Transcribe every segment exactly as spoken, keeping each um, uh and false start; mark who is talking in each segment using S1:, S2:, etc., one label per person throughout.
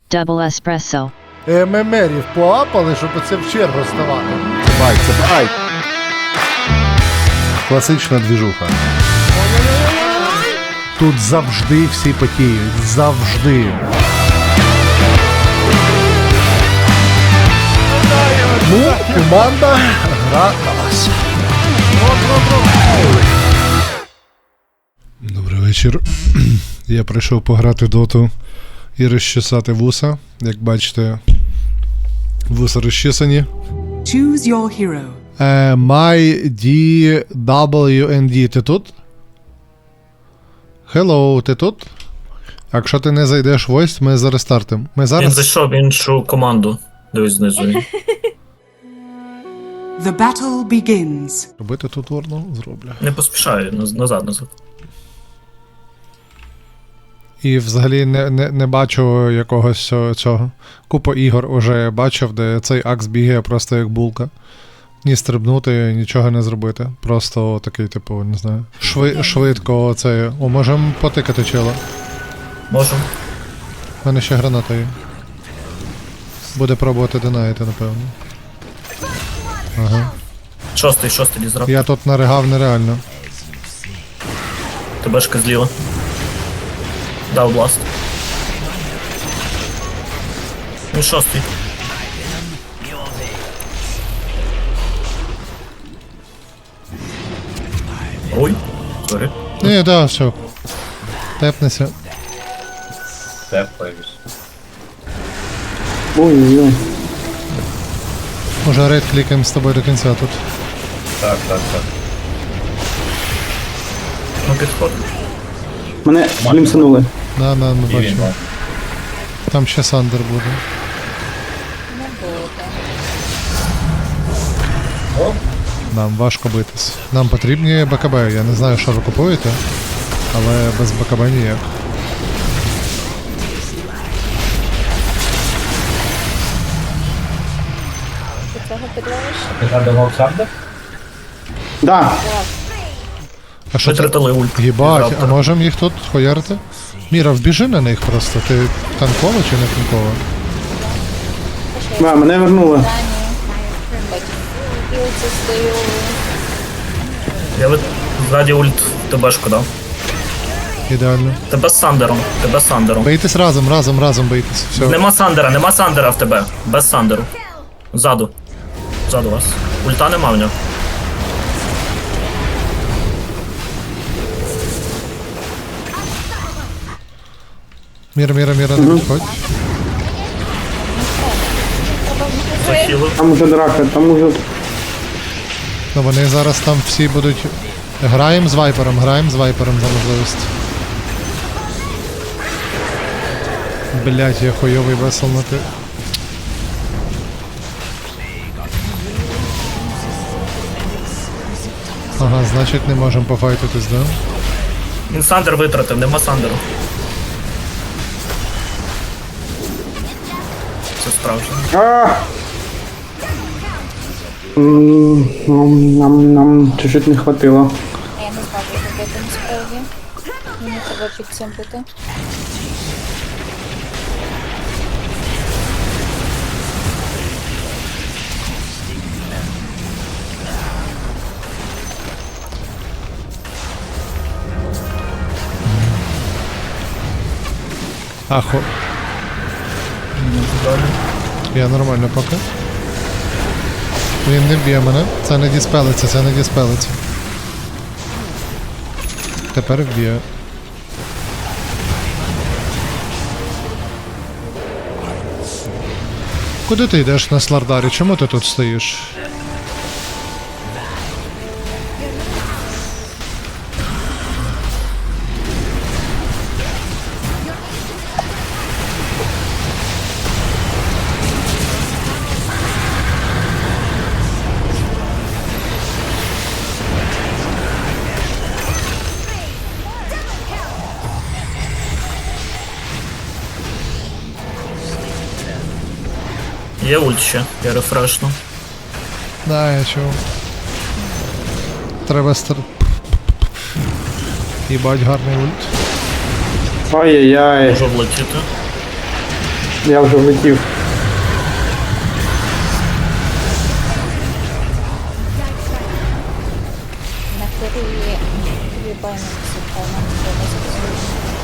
S1: Double espresso.
S2: ММРів поапали, щоб оце в чергу ставати. Бай, це бай. Класична двіжуха. Тут завжди всі потіють. Завжди. Ну, команда гра на вас. Добрий вечір. Я прийшов пограти доту і розчесати вуса. Як бачите, вуса розчесані.
S3: Choose your hero.
S2: Е, My ді дабл ю ен ді, ти тут? Hello, ти тут? Якщо ти не зайдеш в ось, ми зараз стартим. Ми
S4: Він
S2: зараз...
S4: зайшов в іншу команду. Дивись знизу. він.
S3: The battle begins.
S2: Робити тут ворну? Зроблю.
S4: Не поспішай, наз- назад, назад.
S2: І взагалі не, не, не бачу якогось цього- цього. Купу ігор уже бачив, де цей акс бігає просто як булка. Ні стрибнути, нічого не зробити. Просто такий, типу, не знаю. Шви, швидко це. О, можемо потикати чела.
S4: Можу.
S2: У мене ще граната є. Буде пробувати динайти, напевно. Ага.
S4: Шостий, шостий дізрап.
S2: Я тут наригав нереально.
S4: Тебешка зліва. Дав бласт. Він шостий. Ой, сорі.
S2: Ні, да, все. Тепнеся.
S5: Ой-ой-ой.
S2: Може рейд клікаємо з тобою до кінця тут.
S4: Ну підход.
S5: Мене глімсанули.
S2: На, на, ми бачимо. Там ще Сандер буде. Нам важко битись. Нам потрібні БКБ. Я не знаю, що ви купуєте, але без БКБ ніяк.
S5: Да.
S2: А що це?
S4: Витратили ульт.
S2: Їбать, а
S4: Завтра.
S2: можемо їх тут хуярити? Міра, вбіжи на них просто. Ти танкова чи не танкова?
S5: Да, мене вернули.
S4: Я вит... ззаді ульт Тебешку дав.
S2: Ідеально.
S4: Тебе з Сандером. Тебе з Сандером.
S2: Бийтесь разом, разом, разом бийтесь. Все.
S4: Нема Сандера, нема Сандера в тебе. Без Сандеру. Ззаду. Ззаду вас. Ульта нема в нього.
S2: Міра, міра, міра, не підходь.
S4: Захилив.
S5: Там уже драка, там уже...
S2: Ну вони зараз там всі будуть. Граємо з вайпером, граємо з вайпером за можливість. Блять, я хуйовий весел на ти. Ага, значить не можемо пофайтитись, да?
S4: Він Сандер витратив, нема Сандеру. Це справжнє.
S5: А! М, Нам, нам, нам чуть-чуть не хватило.
S6: Я не знаю, як робити насправді. Мені треба під цим бути.
S2: Ахо. Я нормально поки. Він не б'є мене. Це не діспелиться, це не діспелиться. Тепер вб'є. Куди ти йдеш на Слардарі? Чому ти тут стоїш?
S4: Є ульт ще, я рефрешну.
S2: Да, я чув. Треба стар... Їбать, гарний ульт.
S5: Ай-яй-яй.
S4: Можу влетіти.
S5: Я вже влетів.
S6: На хвилі вибаємо висока, нам треба сказати.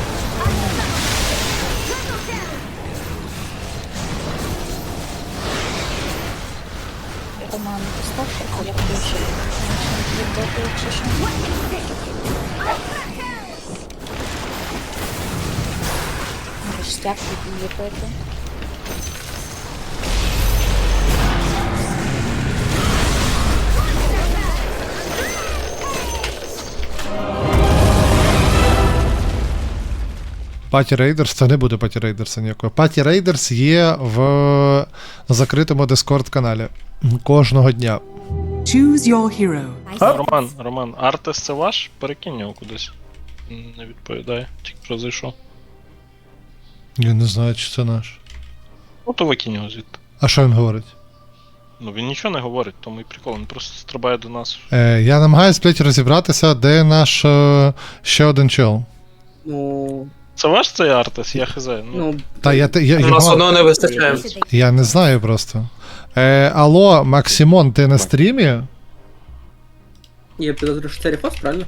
S6: Роман, поставте, коли включив. Відбити, чи що? Може, стяг відліпити.
S2: Паті Рейдерс, це не буде Паті Рейдерса ніякого. Паті Рейдерс є в закритому Discord каналі кожного дня.
S3: Choose your hero.
S1: Роман, Роман, Артес це ваш? Перекинь його кудись. Не відповідає, тільки що зайшов.
S2: Я не знаю, чи це наш.
S1: Ну то викинь його звідти.
S2: А що він говорить?
S1: Ну він нічого не говорить, тому і прикол, він просто стрибає до нас.
S2: Е, я намагаюсь, блядь, розібратися, де наш е, ще один чел.
S7: Ну,
S1: Це ваш цей Артес? Я хз. Ну,
S7: ну,
S2: Та я, те- я,
S8: У нас
S2: його,
S8: одного не вистачає.
S2: я не знаю просто. Е, алло, Максимон, ти на стрімі?
S7: я підозрюю, що це рефос, правильно?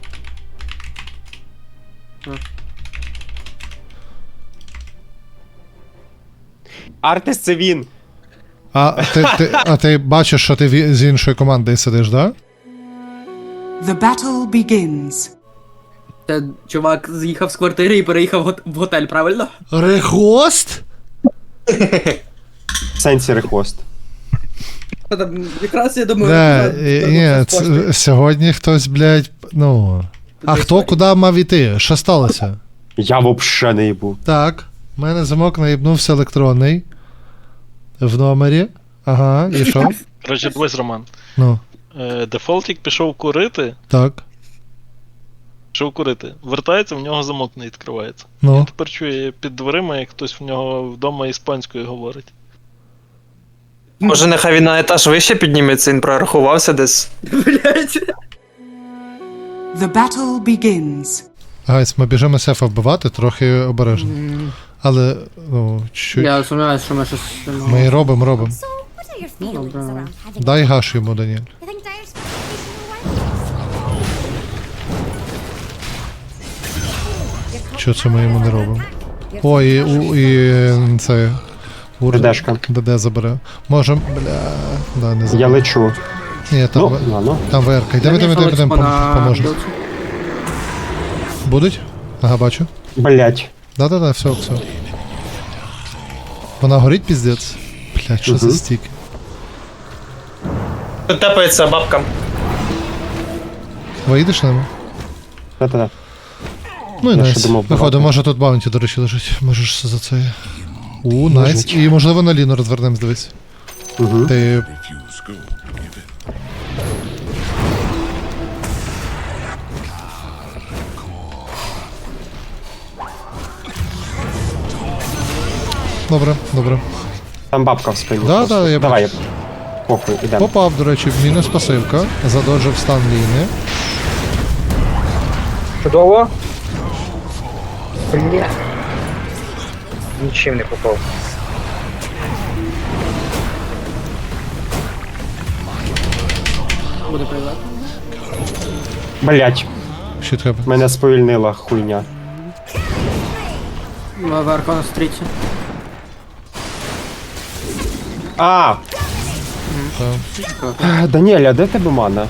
S9: Артес це він.
S2: А ти, ти, а ти бачиш, що ти ві- з іншої команди сидиш, да?
S3: The battle begins.
S7: Це чувак з'їхав з квартири і переїхав в гот- в готель, правильно?
S2: Рехост?
S9: В сенсі рехост.
S7: Та там якраз я думаю,
S2: Да,
S7: я-
S2: е,
S7: я-
S2: ні,
S7: я-
S2: ц- сьогодні хтось, блядь, ну. А
S7: Туди
S2: хто
S7: історія.
S2: куди мав іти? Що сталося?
S9: Я вообще не їбу.
S2: Так, в мене замок наїбнувся електронний. В номері. Ага, і що?
S1: коротше, дивись, Роман.
S2: Ну,
S1: Е, Дефолтік пішов курити,
S2: так.
S1: пішов курити. Вертається, в нього замок не відкривається.
S2: Ну.
S1: Тепер чує під дверима, як хтось в нього вдома іспанською говорить.
S8: Може, нехай він на етаж вище підніметься, він прорахувався десь.
S7: Блять.
S3: The battle begins.
S2: Гайс, ми біжимо сефа вбивати, трохи обережно. Але, ну, чуть.
S7: Я сумніваюся, що ми щось... ну,
S2: Ми і робимо, робимо.
S7: Ну, добре.
S2: Дай гаш йому, Даніель. Що це ми йому не робимо? О, і, у, і е, це. Ур...
S9: ДДшка.
S2: ДД забере. Можем, бля. Да, не
S9: Я
S2: забере.
S9: лечу.
S2: Ні, там,
S9: Ну,
S2: в-
S9: ладно.
S2: там ВРК. Йдемо, йдемо, йдемо, йдемо, пом- поможемо. Будуть? Ага, бачу.
S9: Блять.
S2: Да-да-да, все, все. Вона горить, піздець. Блять, що за
S9: Мгм.
S2: стік?
S8: Тут тепається бабка.
S2: Виїдеш ними?
S9: Та-та-та.
S2: Ну і
S9: Я
S2: найс.
S9: ще думав,
S2: Виходимо,
S9: багато.
S2: може тут баунті, до речі, лежить. Можеш за це. У, найс.
S9: Лежить.
S2: І можливо на Ліну розвернемось, дивись.
S9: Угу.
S2: Ти. Добре, добре.
S9: Там бабка в спині.
S2: Да,
S9: просто.
S2: да, я
S9: Давай,
S2: бачу.
S9: похуй, ідемо.
S2: Попав, до речі, в мінус пасивка. Задоджив стан Ліни.
S10: Чудово. Бля. Нічим не попав.
S7: Буде приват.
S9: Блять,
S2: Що треба?
S9: мене сповільнила хуйня.
S7: В Аркона стріті.
S9: А!
S2: Та.
S9: Даніеля, де в тебе мана?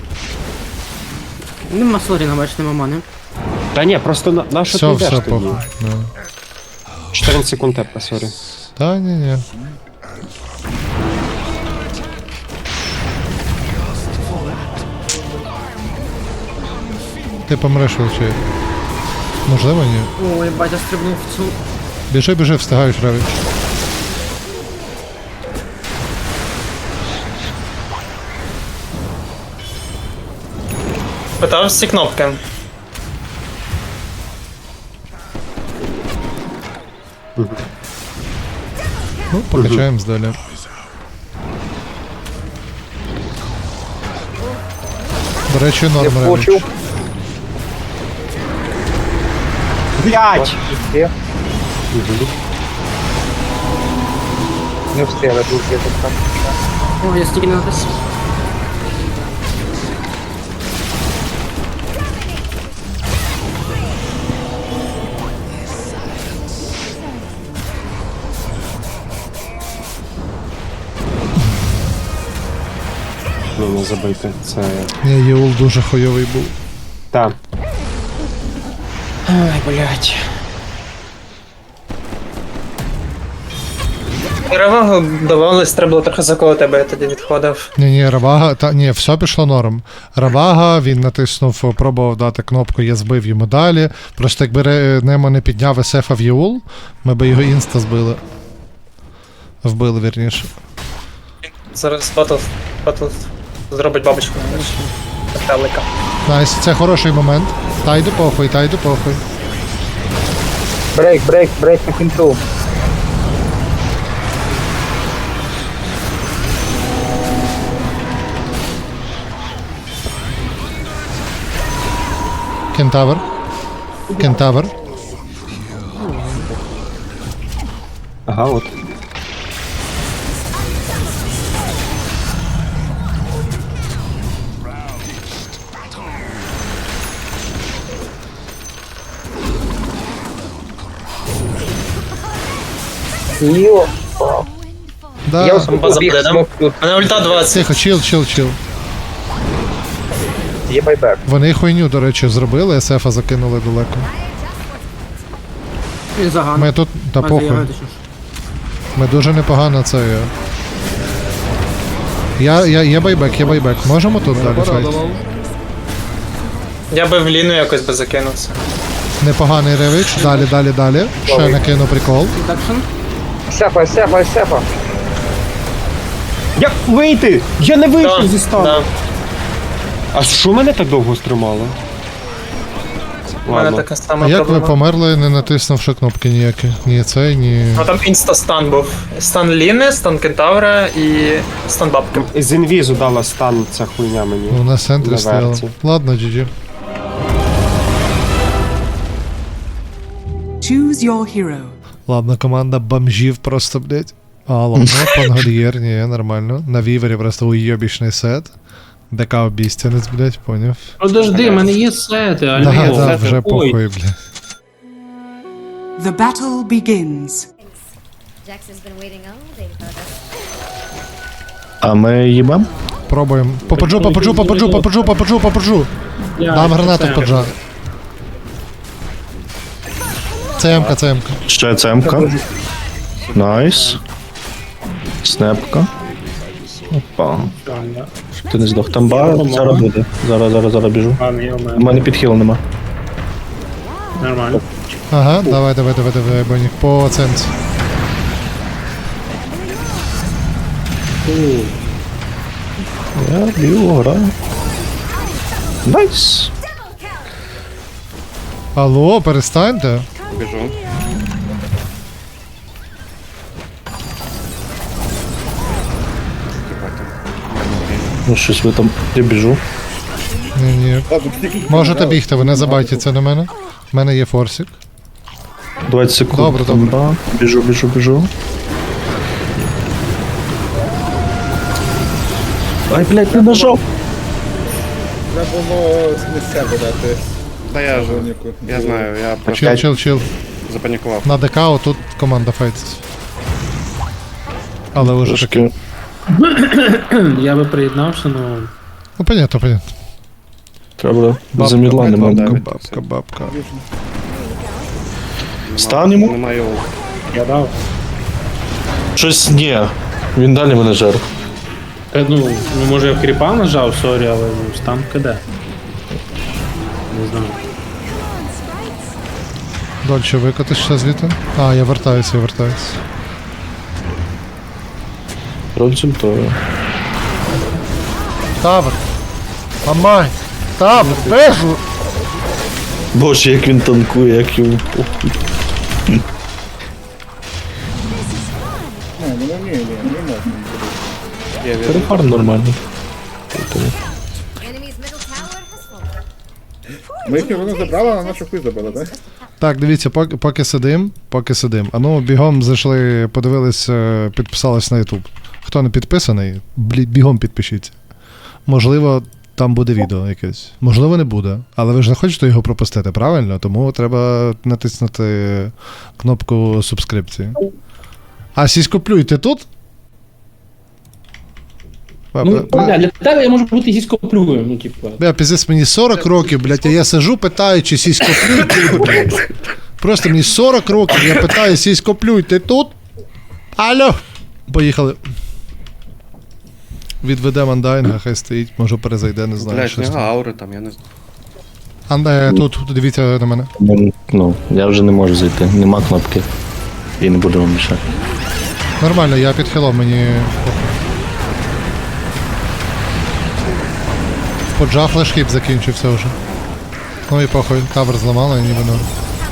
S7: Нема Слоріна, бач, нема мани.
S9: Та ні, просто на, на що
S2: Все,
S9: ти йдеш
S2: все,
S9: тоді?
S2: похуй. Да.
S9: чотирнадцять секунд тепа, сорі.
S2: Та ні, ні. Ти помреш, Волчей. Можливо, ні.
S7: Ой, батя стрибнув в цю.
S2: Біжи, біжи, встигаєш, Равіч.
S8: Питав всі кнопки.
S2: Ну, покачаємось далі. До речі, норм Равіч.
S10: Почув.
S9: Блять!
S10: Є.
S5: Не встигли, тут є тут там.
S7: О, я стільки не натис.
S9: Ну, не забити. Це.
S2: Ні, Єул дуже хуйовий був.
S9: Та. Ай, блядь.
S8: Перевагу давалось, треба було трохи заколоти тебе, я тоді відходив.
S2: Ні, ні, Равага, та ні, все пішло норм. Равага, він натиснув, пробував дати кнопку, я збив йому далі. Просто якби Ре- Немо не підняв есефа в Єул, ми би його інста збили. Вбили, вірніше.
S8: Зараз батл, батл зробить бабочку. Металика.
S2: Найс, це хороший момент. Тайду похуй, тайду похуй.
S5: Брейк, брейк, брейк на кінцу.
S2: Кентавр. Кентавр.
S9: Ага, от.
S5: Йо.
S2: Да.
S5: Я ось
S8: База
S5: побіг,
S8: буде, да?
S5: смок тут.
S8: Мене ульта двадцять.
S2: Тихо, чил, чил, чил.
S5: Є байбек.
S2: Вони хуйню, до речі, зробили, есефа закинули далеко.
S7: І заган.
S2: Ми тут, та
S7: А,
S2: похуй.
S7: заявити, що ж.
S2: Ми дуже непогано це. є. Я, я, є байбек, є байбек. Можемо тут далі файт?
S8: Я би в ліну якось би закинувся.
S2: Непоганий ревич. Далі, далі, далі. Ще накину прикол.
S7: Редакшн.
S5: Сефа, сефа, сефа.
S9: Як вийти? Я не вийшов
S8: Да,
S9: зі стану.
S8: да.
S9: А що мене так довго стримало?
S8: У мене
S9: Ладно.
S8: така сама
S2: А як ви
S8: проблема.
S2: померли, не натиснувши кнопки ніякі? Ні цей, ні.
S8: Ну там інста-стан був. Стан Ліни, стан Кентавра і стан бабки.
S9: З інвізу дала стан ця хуйня мені.
S2: Ну, на центрі
S9: На
S2: стояло.
S9: верці.
S2: Ладно, джі джі.
S3: Choose your hero.
S2: Ладно, команда бомжів просто, блять. А, ладно, пангольєр, ні, нормально. На вівері просто уйобічний сет. ДК обістянець, блять, поняв.
S10: Подожди, в мене є сети,
S2: Да,
S10: альо.
S2: да, вже похуй, блять.
S3: The battle begins.
S11: Jax has been waiting all day for this.
S12: А ми їбам?
S2: Пробуємо. Попаджу, попаджу, попаджу, попаджу, попаджу, попаджу.
S10: Я
S2: Дам гранату
S10: це-
S2: поджа. ЦМК, ЦМК.
S12: Ще цемка. Найс. Снепка. Опа. Ти не здох. Там бар, зараз буде. Зараз, зараз, зараз біжу.
S10: Ладно, я
S12: У
S10: вмер.
S12: мене підхил нема.
S10: Нормально.
S2: Ага, давай, давай, давай, давай, бонік. По ценці.
S12: Я б'ю, граю. Найс.
S2: Алло, перестаньте.
S12: Ну щось ви там. Я біжу.
S2: Ні, ні. Можете бігти, ви не забайте це на мене. У мене є форсик.
S12: двадцять секунд.
S2: Добре,
S12: Там,
S2: добре.
S12: да. Біжу, біжу, біжу. Ай, блядь, не нажав.
S9: Та я ж, я знаю, я
S2: Чил, чил, чил.
S9: запанікував.
S2: На ДК отут команда файтиться. Але уже таки.
S12: Трошки.
S10: Я би приєднався, ну.
S2: Ну, понятно, понятно.
S12: Треба за мідла нема.
S2: бабка, бабка.
S12: Стан йому?
S10: Немає. Я дав.
S12: Щось ні. Він далі мене жер.
S10: Та, ну, ну, може я в кріпа нажав, сорі, але ну, стан КД. Не знаю.
S2: Дольче викотиш ще звідти? А, я вертаюся, я вертаюся.
S12: Розультую.
S2: Тавр! Мамай! Тавр! Бежу!
S12: Боже, як він танкує, як йому похуй. Перефарм нормальний.
S11: Enemy's middle tower has fallen.
S9: Ми їхню руну забрали, а нашу хуй забили, так?
S2: Так, дивіться, поки, поки сидим, поки сидим. А ну, бігом зайшли, подивились, е, підписались на YouTube. Хто не підписаний, блі, бігом підпишіться. Можливо, там буде відео якесь. Можливо, не буде. Але ви ж не хочете його пропустити, правильно? Тому треба натиснути кнопку субскрипції. А сіськоплюй, ти тут?
S10: Ну, бля, для тебе я можу бути сіськоплюєм, ну, типу.
S2: Бля, пиздець, мені сорок років, блядь, а я сижу, питаю, чи сіськоплюй ти тут, блядь. Просто мені сорок років, я питаю, сіськоплюй, ти тут? Алло! Поїхали. Відведемо андайнга, хай стоїть, може перезайде, не знаю.
S9: Блядь,
S2: щось
S9: нього
S2: там.
S9: аури там, я не знаю.
S2: Андай, тут, дивіться на мене.
S12: Ну, ну, я вже не можу зайти. Нема кнопки. І не буду вам мішати.
S2: Нормально, я під хілом, мені... Поджа флешхіп закінчився вже. Ну і похуй, кавер зламали, ніби ну.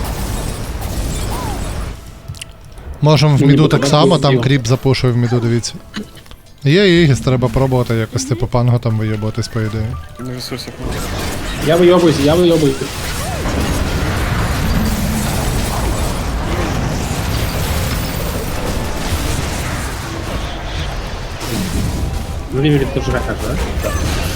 S2: Можемо в міду так само, там кріп запушує в міду, дивіться. Є Ігіс, треба пробувати якось типу панго там виєботись, по ідеї.
S9: На ресурсах немає.
S10: Я вийобуюся, я вийобуюся. Ну, Рівері, ти ж ракаш, да? Так.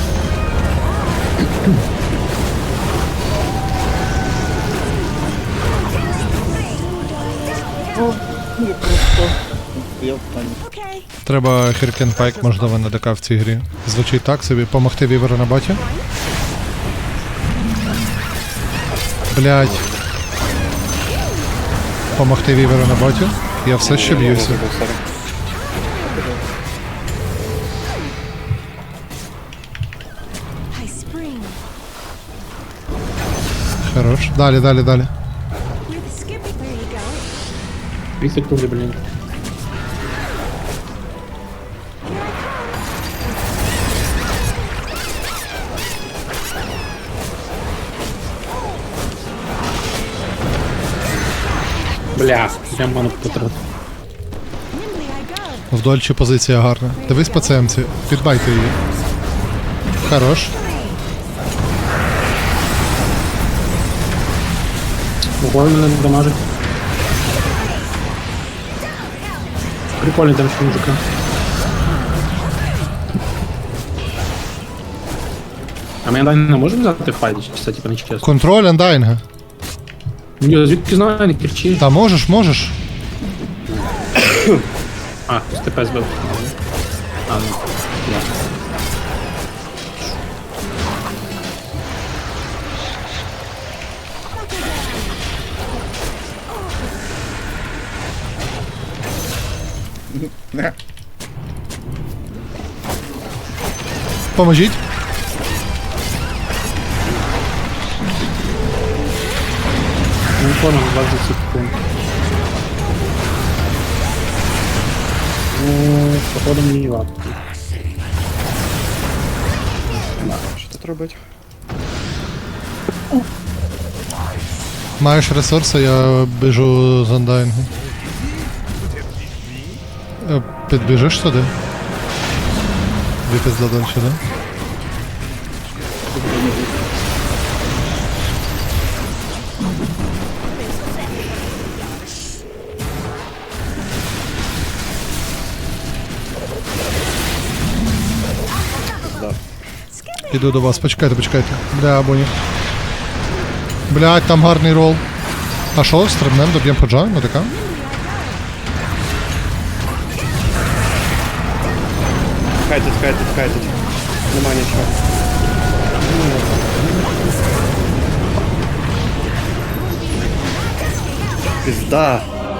S2: Треба Хіркен Пайк, можливо, на ДК в цій грі. Звучить так собі, помогти Віверу на боті. Блять. Помогти Віверу на боті. Я все ще б'юся. Хорош. Далі, далі, далі.
S10: Дві секунди, блін. Бля, я ману потратив.
S2: В Дольчі позиція гарна. Дивись по цемці. Підбайте її. Хорош.
S10: Ого, мене не дамажить. Прикольний там ще мужика. А мене Дайна не може взяти в файті, чи це типа не чесно?
S2: Контроль андайнга.
S10: Ну, звідки знаю, не кричи.
S2: Та можеш, можеш.
S10: А, з ТП збив. А, ну, я.
S2: Поможіть.
S10: Ну, понял, двадцять секунд. Ну, походу мені лапки.
S9: Що тут робить?
S2: Маєш ресурси, я біжу з андайнгу. Е, Підбіжиш сюди? Випізда далі, да? Іду до вас, почекайте, почекайте. Бля, абоні. Блядь, там гарний рол. А що, стрибнем, доб'єм поджа, на ДК?
S9: Кайтить, кайтить, кайтить. Нема нічого. Пізда.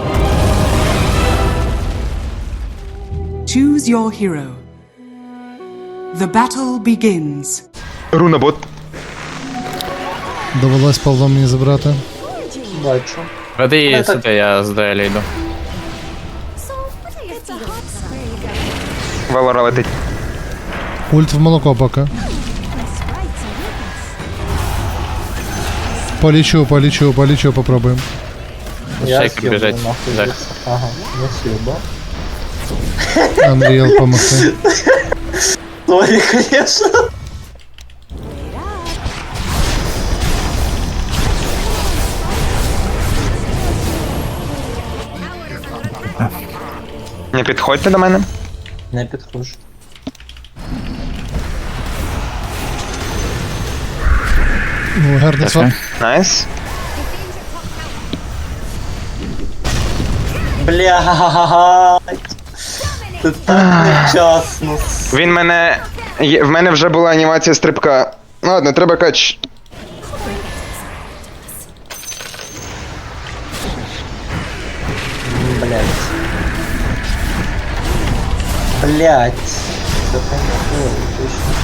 S3: Choose your hero. The battle begins.
S8: Руна бот.
S2: Довелось Павло мені забрати.
S8: Веди сюди, я з Делі йду. Валора летить.
S2: Ульт в молоко поки. Полічу, полічу, полічу, попробуємо.
S8: Шейкер біжить. Жах.
S2: Unreal помогти.
S8: Не підходьте до мене.
S7: Не підходжу.
S2: Ну, гарний свап.
S8: Найс.
S7: Блядь. Це так невчасно.
S8: Він мене. є- В мене вже була анімація стрибка. Ну ладно, треба кач.
S7: Блядь. Блядь. Це так не точно.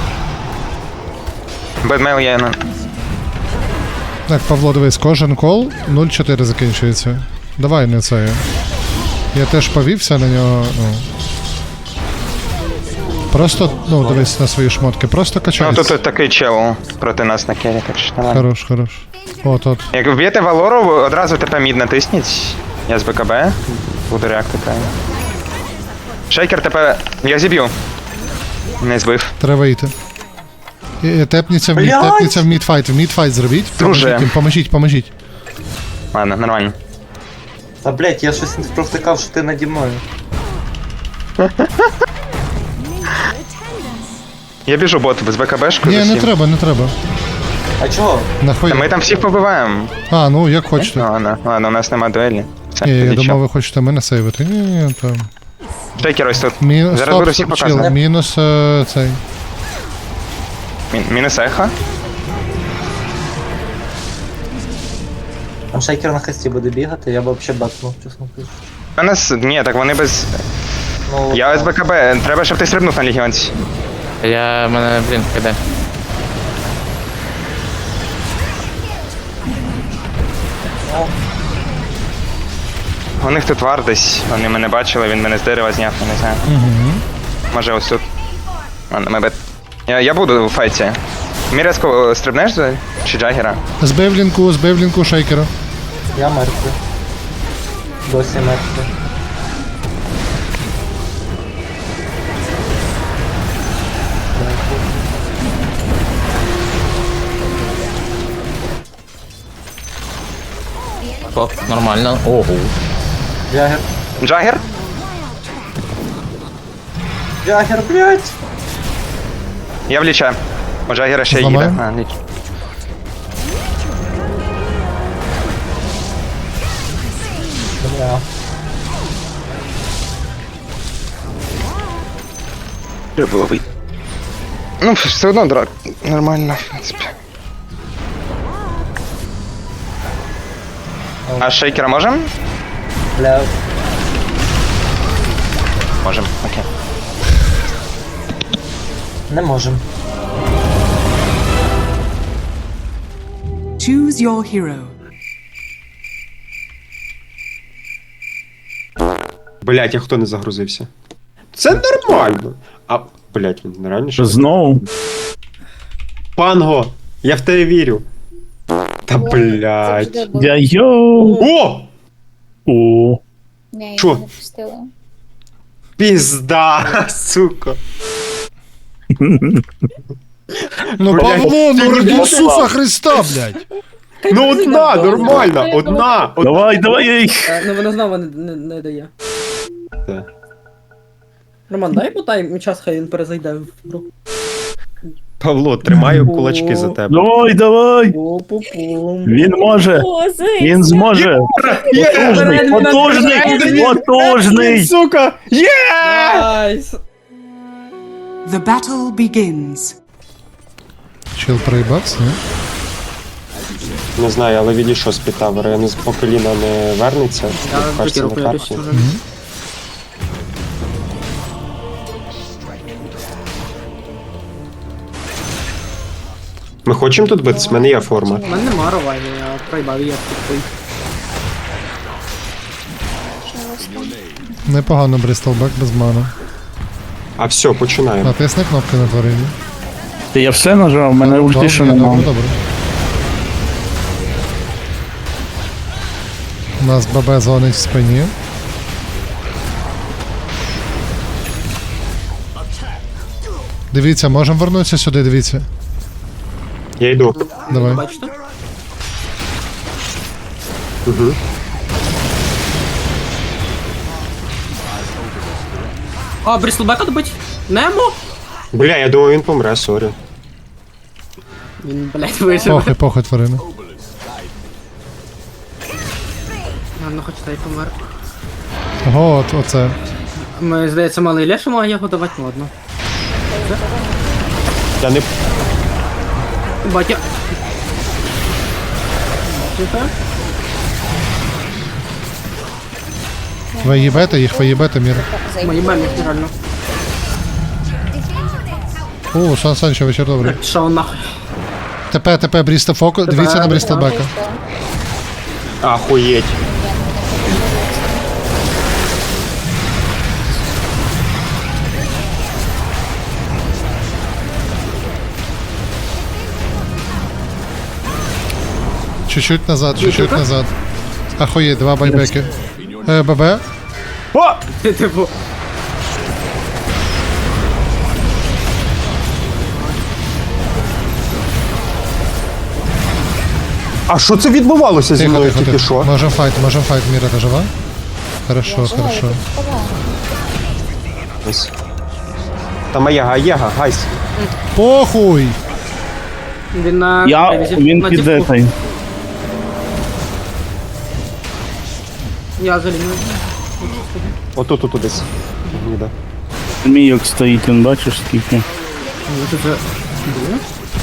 S8: Бедмейл є на.
S2: Так, Павло, дивись, кожен кол нуль чотири закінчується. Давай не це. Я теж повівся на нього, ну. Просто, ну, дивись на свої шмотки, просто
S8: Ну
S2: качайся.
S8: тут такий чел проти нас на кері, так що нормально.
S2: Хорош, хорош. От, от.
S8: Як вб'єте Валору, ви одразу ТП мід натисніть. Я з БКБ. Буду реактити. Шейкер ТП. Я зіб'ю. Не збив.
S2: Треба йти. І- і Тепніться в мід,
S7: Блядь!
S2: тепніться в мідфайт, в мідфайт зробіть.
S8: Друже.
S2: Поможіть їм, поможіть, поможіть.
S8: Ладно, нормально.
S7: Та блядь, я щось не провтикав, що ти наді мною.
S8: Я біжу бот без БКБшку.
S2: Ні, не треба, не треба.
S7: А чого?
S2: Нахуй.
S8: Та ми там всіх побиваємо.
S2: А, ну як хочете.
S8: Ну, ладно, ладно, у нас нема дуелі. Все,
S2: Ні, я
S8: тоді
S2: думав,
S8: чо?
S2: ви хочете мене сейвити. Ні, ні, там.
S8: Шейкер ось тут.
S2: Мінус,
S8: Зараз буду всіх
S2: стоп, чил,
S8: показувати.
S2: мінус е, цей.
S8: Мін- Мінус ехо.
S7: Там шейкер на хасті буде бігати, я б взагалі бакнув, чесно кажучи.
S8: У нас. Ні, так вони без.
S7: Ну,
S8: Я з БКБ. Треба, щоб ти стрибнув на легіонці.
S10: Я мене, блін, киде.
S8: У них тут вар десь. Вони мене бачили, він мене з дерева зняв, я не знаю. Може ось тут. Ладно, ми бет. Я, я буду у файті. Мірязко стрибнеш за чи Джагера?
S2: Збив лінку, збив лінку шейкера.
S7: я мертвий. Досі мертвий.
S10: Нормально. Ого.
S7: Джагер.
S8: Джагер?
S7: Джагер, блядь!
S8: Я в ліча. У Джагера ще їде.
S2: Зламаємо?
S8: А, ліч.
S7: Бля.
S8: Треба було вийти. Ну, все одно драк. Нормально, в принципі. А шейкера можем?
S7: Бля.
S8: Можем, окей.
S7: Не можем.
S3: Choose your hero.
S9: Блять, а хто не загрузився? Це нормально. А, блять, він реально що?
S10: Знову?
S9: Панго! Я в тебе вірю. Та блять.
S10: Я йоу.
S9: О!
S10: О.
S6: Ні, я
S9: Чо?
S6: не пустила.
S9: Пізда, сука.
S2: Ну,
S9: Блядь,
S2: Павло, ну
S9: ти
S2: ради
S9: не
S2: Ісуса Христа, блядь.
S9: Ну одна, нормально, одна. од-
S10: Давай, давай я їх.
S7: Ну вона знову не, не, не дає.
S9: Та.
S7: Роман, дай потай час, хай він перезайде в гру.
S9: Павло, тримаю кулачки за тебе.
S10: Давай, давай.
S7: Пу-пу-пум.
S10: Він може. Він зможе. Потужний, потужний, потужний.
S9: Сука! Є!
S7: Найс!
S3: The battle begins.
S2: Чил проїбався, ні?
S9: Не знаю, але відійшов з Пітавера, я не з- по коліна не вернеться.
S7: Я
S9: кажеться,
S7: викеру
S9: на
S7: появлюсь
S9: карті.
S7: уже.
S9: Ми хочемо тут битись? В мене є форма.
S7: У мене нема ровайни, я проїбав, я тут.
S2: Непогано Брістолбек без мана.
S9: А все, починаємо.
S2: Натисни кнопки на тварині.
S10: Ти я все нажав, в мене ульти ще
S2: Добре,
S10: немає.
S2: добре, добре. У нас ББ дзвонить в спині. Дивіться, можемо вернутися сюди, дивіться.
S9: Я йду.
S2: Давай.
S7: Бачите?
S9: Угу.
S7: А, Бріслбека добить? Немо?
S9: Бля, я думав, він помре, сорі.
S7: Він, блядь, виживе.
S2: Похуй, похуй, тварина.
S7: Ладно, хоч та й помер.
S2: Ого, от, оце.
S7: Ми, здається, мали Ілля, що має його давати, ну ладно.
S9: Я не...
S7: Батя. Тихо.
S2: Ви їбете їх, ви їбете, Міра.
S7: Ми їбемо їх реально.
S2: О, Сан Санчо, вечір добрий.
S7: Що нахуй?
S2: ТП, ТП, Брістл Фоку, дивіться на Брістлбека.
S9: Ахуєть.
S2: Чуть-чуть назад, чуть-чуть назад. Ахуєть, два байбеки. Е, ББ?
S9: О!
S7: Ти типу.
S9: А що це відбувалося зі
S2: Тихо,
S9: мною
S2: тихо,
S9: тільки
S2: тихо.
S9: що?
S2: Можем файт, можем файт, Міра, ти жива? Хорошо, хорошо.
S9: Ось. Там Аєга, Аєга, гайс.
S2: Похуй!
S7: Він на...
S12: Я, він
S7: на
S12: під
S7: діпку.
S12: этой.
S7: Я за лінію.
S9: Отут, тут десь. Ніде.
S12: Мійок стоїть, він бачиш скільки.
S7: Ну, тут же... Де?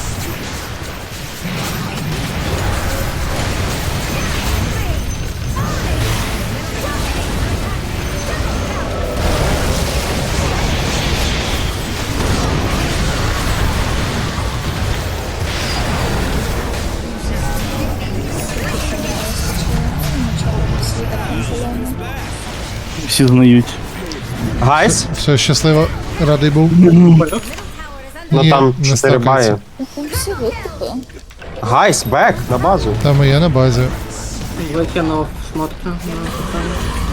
S12: Всі знають.
S9: Гайс?
S2: Все, щасливо, радий був.
S9: Ну
S2: Ні,
S9: там
S2: не
S9: чотири бає.
S2: стакається.
S6: Там всі викупи.
S9: Гайс, бек, на базу.
S2: Там і є на базі.
S7: Викинув шмотки на питання.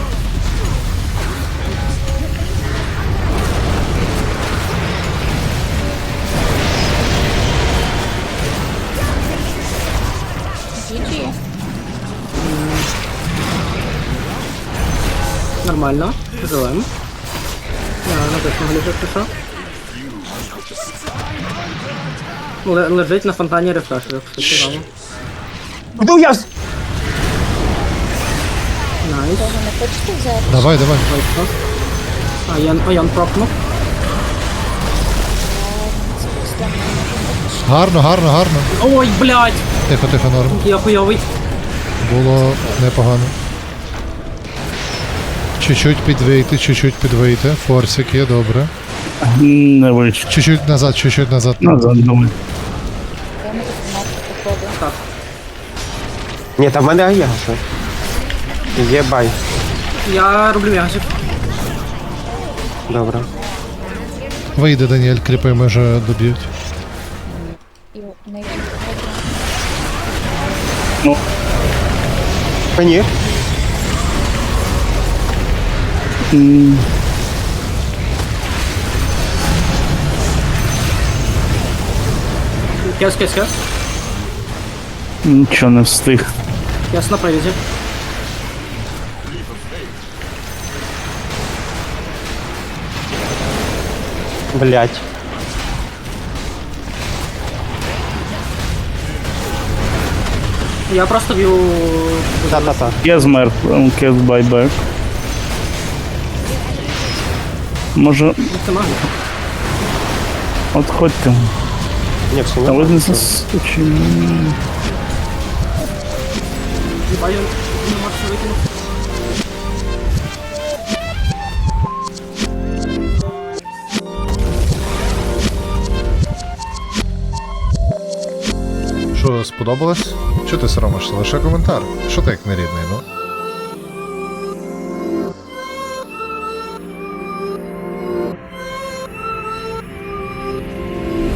S6: Джі-джі.
S7: Нормально. Живем. Я на точно глядю, пішов. Л- лежить на фонтані рефрешерів, все цікаво.
S9: Ну я... з-
S7: Найс.
S6: Тоже не хочете взяти?
S2: Давай, давай.
S7: Вийшло. А Ян, а Ян пропнув.
S2: Гарно, гарно, гарно.
S7: Ой, блядь!
S2: Тихо, тихо, норм.
S7: Я хуйовий.
S2: Було непогано. Чуть-чуть підвийти, чуть-чуть підвийти. Форсик є, добре.
S12: Не вийшло.
S2: Чуть-чуть назад, чуть-чуть назад.
S12: Назад думаю.
S6: Я не марки походу.
S9: Ні, там в мене Аєга ще. Є бай.
S7: Я роблю м'ячик.
S9: Добре.
S2: Вийде, Даніель, кріпи, може доб'ють.
S6: І не є.
S9: А ні.
S12: М,
S7: Кес, кес, кес.
S12: Нічого не встиг.
S7: Кес на привіді.
S9: Блять.
S7: Я просто б'ю...
S9: Та-та-та.
S12: Кез мер, кез байбек. Може,
S7: Це магія.
S12: отходьте.
S9: Ні, все
S12: А ви
S9: нормально.
S12: не засучили.
S7: Їбаю, не можу викинути.
S2: Що, сподобалось? Чого ти соромишся? Лише коментар. Що ти як нерідний, ну?